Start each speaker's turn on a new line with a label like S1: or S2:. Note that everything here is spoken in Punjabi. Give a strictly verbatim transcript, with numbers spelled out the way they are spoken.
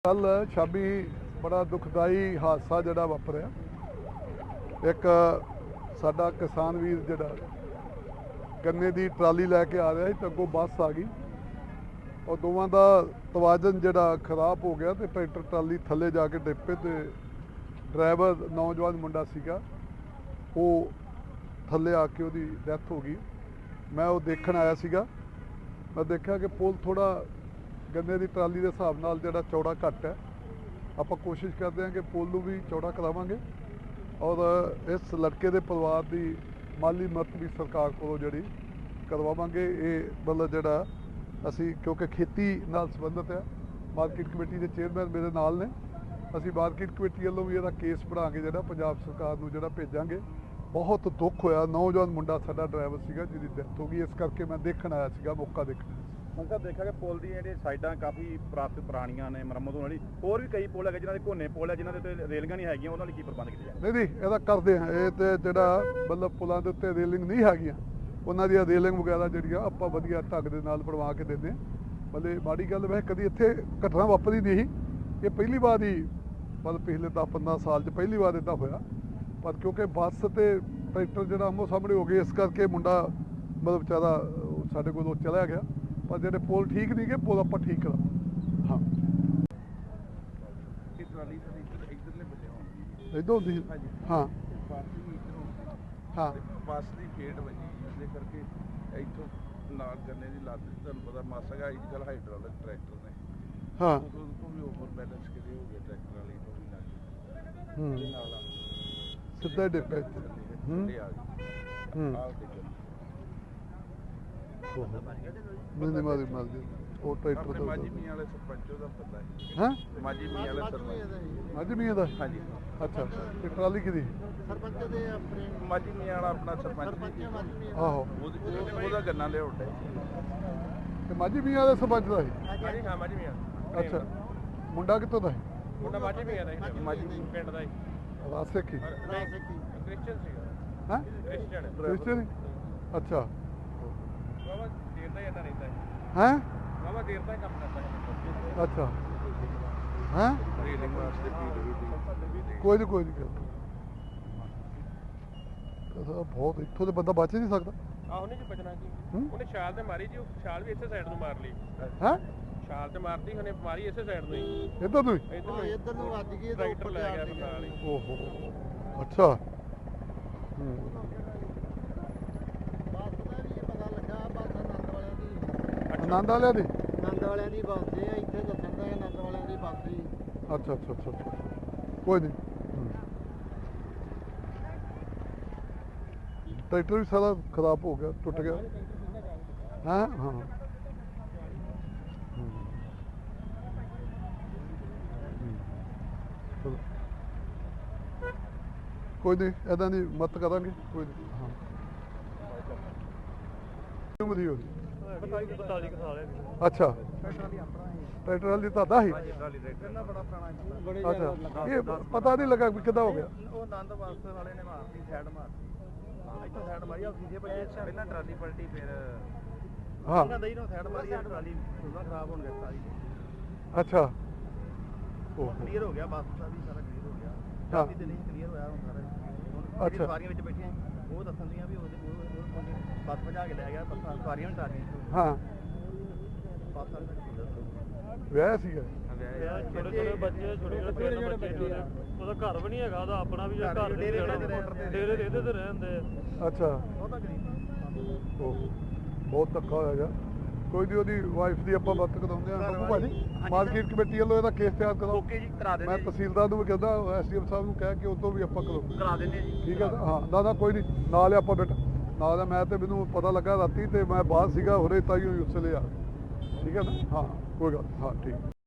S1: कल शामी बड़ा दुखदाई हादसा जड़ा वापरिया। एक साडा किसान वीर जड़ा गन्ने की ट्राली लैके आ रहा है तो अगों बस आ गई और दोवां दा तवाजन जड़ा खराब हो गया तो ट्रैक्टर ट्राली थले जाके डिप्पे तो ड्राइवर नौजवान मुंडा सीगा वो थले आके उसकी डैथ हो गई। मैं वो देखण आया सीगा, मैं देखा कि पुल थोड़ा गन्ने की ट्राली के हिसाब नाल जिहड़ा चौड़ा घट है। आपां कोशिश करते हैं कि पुल नूं भी चौड़ा करावांगे और इस लड़के के परिवार की माली मदद भी सरकार कोलों जिहड़ी करवावांगे। ये मतलब जिहड़ा असी क्योंकि खेती नाल संबंधित है, मार्केट कमेटी के चेयरमैन मेरे नाल ने, असी मार्केट कमेटी वालों भी इहदा केस बना के जिहड़ा पंजाब सरकार नूं जिहड़ा भेजांगे। बहुत दुख होया, नौजवान मुंडा साडा ड्राइवर सीगा जिहदी डेथ हो गई, इस करके मैं देखण आया सीगा, मौका देखण।
S2: अंकल देखा कि पुल दी ਜਿਹੜੀ ਸਾਈਡਾਂ ਕਾਫੀ ਪ੍ਰਾਪਤ ਪੁਰਾਣੀਆਂ ਨੇ, ਮੁਰੰਮਤ ਹੋਣ ਵਾਲੀ ਹੋਰ ਵੀ ਕਈ ਪੁਲ ਹੈਗੇ ਜਿਨ੍ਹਾਂ ਦੇ ਕੋਨੇ ਪੁਲ ਹੈ ਜਿਨ੍ਹਾਂ ਦੇ ਉੱਤੇ ਰੇਲਗਾਂ ਨਹੀਂ ਹੈਗੀਆਂ, ਉਹਨਾਂ ਲਈ ਕੀ ਪ੍ਰਬੰਧ ਕੀਤੇ ਜਾਣ?
S1: ਨਹੀਂ ਨਹੀਂ ਇਹਦਾ ਕਰਦੇ ਹਾਂ। ਇਹ ਤੇ ਜਿਹੜਾ ਮਤਲਬ ਪੁਲਾਂ ਦੇ ਉੱਤੇ ਰੇਲਿੰਗ ਨਹੀਂ ਹੈਗੀਆਂ ਉਹਨਾਂ ਦੀਆਂ ਰੇਲਿੰਗ ਵਗੈਰਾ ਜਿਹੜੀਆਂ ਆਪਾਂ ਵਧੀਆ ਢੰਗ ਦੇ ਨਾਲ ਬਣਵਾ ਕੇ ਦਿੰਦੇ ਹਾਂ। ਮਤਲਬ ਮਾੜੀ ਗੱਲ ਵੈਸੇ ਕਦੀ ਇੱਥੇ ਘਟਨਾ ਵਾਪਰੀ ਨਹੀਂ, ਇਹ ਪਹਿਲੀ ਵਾਰ ਹੀ ਮਤਲਬ ਪਿਛਲੇ ਦਸ ਪੰਦਰਾਂ ਸਾਲ 'ਚ ਪਹਿਲੀ ਵਾਰ ਇੱਦਾਂ ਹੋਇਆ। ਪਰ ਕਿਉਂਕਿ ਬੱਸ ਤੇ ਟਰੈਕਟਰ ਜਿਹੜਾ ਆਮੋ ਸਾਹਮਣੇ ਹੋ ਗਏ, ਇਸ ਕਰਕੇ ਮੁੰਡਾ ਮਤਲਬ ਵਿਚਾਰਾ ਸਾਡੇ ਕੋਲੋਂ ਚਲਾ ਗਿਆ। पर जो पुल ठीक नहीं गए, पुल आप ठीक करा। हाँ इधर होती हाँ हाँ
S3: बस की फेट वजी इस करके इतों नाल गन्ने की लत तुहानूं पता मासा का अजकल हाइड्रोलिक ट्रैक्टर ने
S1: हाँ
S3: उनको भी ओवर बैलेंस किते हो गए ट्रैक्टर वाली तो भी लग
S1: सीधा डिप्पे नहीं मारी मार दी वो ट्रैक्टर तो
S3: माजी मियां वाले सरपंच दा पता है।
S1: हैं
S3: माजी मियां वाले सरपंच
S1: माजी मियां दा?
S3: हाँ जी।
S1: अच्छा ते ट्राली किदी?
S4: सरपंच दे अपने
S3: माजी मियां वाला अपना सरपंच
S1: आहो
S3: ਉਹਦਾ ਗੰਨਾ ਲਿਆਉਂਦਾ
S1: ते माजी मियां दा सरपंच दा ही?
S2: ਹਾਂਜੀ ਹਾਂ ਮਾਜੀ ਮੀਆਂ।
S1: अच्छा मुंडा कितों दा है?
S2: ਮੁੰਡਾ ਮਾਜੀ ਮੀਆਂ ਦਾ ਹੀ, ਮਾਜੀ ਪਿੰਡ ਦਾ ਹੀ।
S1: रासे की
S2: ਕ੍ਰਿਸਚੀਅਨ ਸੀਗਾ।
S1: हैं
S2: ਕ੍ਰਿਸਚੀਅਨ
S1: क्रिश्चियन? अच्छा
S2: ਬਾਬਾ ਦੇਰ ਦਾ ਹੀ ਇੰਨਾ ਰਹਿੰਦਾ ਹੈ।
S1: हैं
S2: ਬਾਬਾ ਦੇਰ ਦਾ ਹੀ ਕੰਮ ਕਰਦਾ ਹੈ।
S1: अच्छा हैं
S3: ਰੇਲਿੰਗ ਵਾਸਤੇ ਫੀਡ ਵੀ
S1: कोई नहीं कोई नहीं बहुत इतों तो बंदा बच ही नहीं सकता।
S2: ਆਹ ਉਹਨੇ ਜੀ ਬਚਣਾ ਕੀ,
S1: ਹੂੰ?
S2: ਉਹਨੇ ਛਾਲ ਤੇ ਮਾਰੀ ਜੀ, ਉਹ ਛਾਲ ਵੀ ਇਸੇ ਸਾਈਡ ਨੂੰ ਮਾਰ ਲਈ।
S1: हैं
S2: ਛਾਲ ਤੇ ਮਾਰਦੀ ਉਹਨੇ ਮਾਰੀ ਇਸੇ ਸਾਈਡ ਨੂੰ ਹੀ,
S1: इधर तो ही?
S2: ਇੱਧਰ ਨੂੰ ਹੀ।
S4: इधर नु ਵੱਜ ਗਈ तो
S2: ਟਰੈਕਟਰ ਲੈ ਗਿਆ ਫਿਰ ਨਾਲ ਹੀ।
S1: ओहो अच्छा हम्म।
S4: ਬੱਸ ਦਾ ਵੀ ਪਤਾ ਲੱਗਾ, ਬੱਸ ਆਨੰਦ ਵਾਲਿਆਂ ਦੀ
S1: आनंद वाले दी?
S4: ਆਨੰਦ ਵਾਲਿਆਂ ਦੀ ਬੱਸ ਦੇ ਇੱਥੇ ਦੱਸਣ ਦਾ ਆਨੰਦ ਵਾਲਿਆਂ ਦੀ ਬੱਸ ਦੀ।
S1: अच्छा अच्छा अच्छा अच्छा कोई नहीं। ट्रैक्टर भी सारा खराब हो गया, टूट गया। हाँ हाँ चलो कोई नहीं, ऐसा नहीं मत करांगे, कोई नहीं। हाँ उम्र ही होगी। अच्छा ट्रैक्टर वाली तो ही?
S4: ਕਿੰਨਾ ਬੜਾ ਪੁਰਾਣਾ ਜੀ।
S1: अच्छा ये पता नहीं लगा कि कितना हो गया।
S2: ਉਹ ਆਨੰਦ ਬੱਸ ਵਾਲੇ ਨੇ ਮਾਰਤੀ, ਸਾਈਡ ਮਾਰਤੀ, ਇੱਥੋਂ ਸਾਈਡ ਮਾਰੀ ਆ ਸੀਧੇ ਭੱਜੇ, ਪਹਿਲਾਂ ਟਰਾਲੀ ਪਲਟੀ ਫਿਰ
S1: हाँ
S2: ਉਹਨਾਂ ਦਈ ਨੂੰ ਸਾਈਡ ਮਾਰੀ ਆ, ਟਰਾਲੀ ਪੂਰਾ ਖਰਾਬ ਹੋਣ ਗਿਆ ਸਾਰੀ।
S1: अच्छा ओहो
S2: ਕਲੀਅਰ ਹੋ ਗਿਆ, ਬੱਸ ਦਾ ਵੀ ਸਾਰਾ ਕਲੀਅਰ ਹੋ ਗਿਆ।
S1: ਹਾਂ।
S2: ਟਰਾਲੀ ਤੇ ਨਹੀਂ ਕਲੀਅਰ ਹੋਇਆ ਹੁਣ ਸਾਰਾ। ਹੁਣ
S1: ਅੱਛਾ।
S2: ਸਵਾਰੀਆਂ ਵਿੱਚ ਬੈਠੀਆਂ ਉਹ ਦੱਸਣ ਦੀਆਂ ਵੀ ਉਹਦੇ ਉਹ ਬੱਸ ਭਜਾ ਕੇ ਲੈ ਗਿਆ, ਬੱਸਾਂ ਸਵਾਰੀਆਂ ਵੀ ਟਾਰੀਆਂ
S1: हाँ
S2: ਬੱਸ ਵਾਲੇ ਨੂੰ
S1: वह सी है।
S5: ਛੋਟੇ ਛੋਟੇ ਬੱਚੇ, ਛੋਟੇ ਛੋਟੇ ਪਿੰਡ ਬੱਚੇ ਨੇ, ਉਹਦਾ ਘਰ ਵੀ ਨਹੀਂ ਹੈਗਾ, ਉਹਦਾ ਆਪਣਾ ਵੀ ਜਿਹੜਾ ਘਰ
S2: ਡੇਰੇ
S5: ਦੇ
S2: ਤੇ
S5: ਡੇਰੇ ਦੇ ਇਹਦੇ ਤੇ ਰਹਿੰਦੇ ਆ।
S1: अच्छा
S2: ਬਹੁਤਾ ਗਰੀਬ।
S1: ओहो बहुत धक्का होया जा। कोई नहीं ਉਹਦੀ ਵਾਈਫ ਦੀ ਆਪਾਂ ਬਾਤ ਕਰਾਉਂਦੇ ਆਂ ਬੱਬੂ ਭਾਜੀ, ਮਾਰਕੀਟ ਕਮੇਟੀ ਵੱਲੋਂ ਇਹਦਾ ਕੇਸ ਤਿਆਰ ਕਰੋ।
S2: ਓਕੇ ਜੀ, ਕਰਾ
S1: ਮੈਂ
S2: ਦਿੰਦੇ
S1: ਤਹਿਸੀਲਦਾਰ ਨੂੰ ਵੀ ਕਹਿੰਦਾ, ਐਸਡੀਐਮ ਸਾਹਿਬ ਨੂੰ ਕਹਿ ਕੇ ਉਦੋਂ ਵੀ ਆਪਾਂ ਕਰੋ।
S2: ਕਰਾ ਦਿੰਦੇ ਜੀ।
S1: ਠੀਕ ਹੈ ਹਾਂ ਨਾ ਨਾ ਕੋਈ ਨਹੀਂ, ਨਾਲ ਆਪਾਂ ਬੇਟਾ ਨਾਲ ਆ। ਮੈਂ ਤੇ ਮੈਨੂੰ ਪਤਾ ਲੱਗਾ ਰਾਤੀ ਤੇ ਮੈਂ ਬਾਹਰ ਸੀਗਾ, ਹੁਣੇ ਤਾਈਓ ਹੀ ਉਸਲੇ ਆ। ਠੀਕ ਹੈ ਨਾ? ਹਾਂ ਕੋਈ ਗੱਲ ਹਾਂ ਠੀਕ।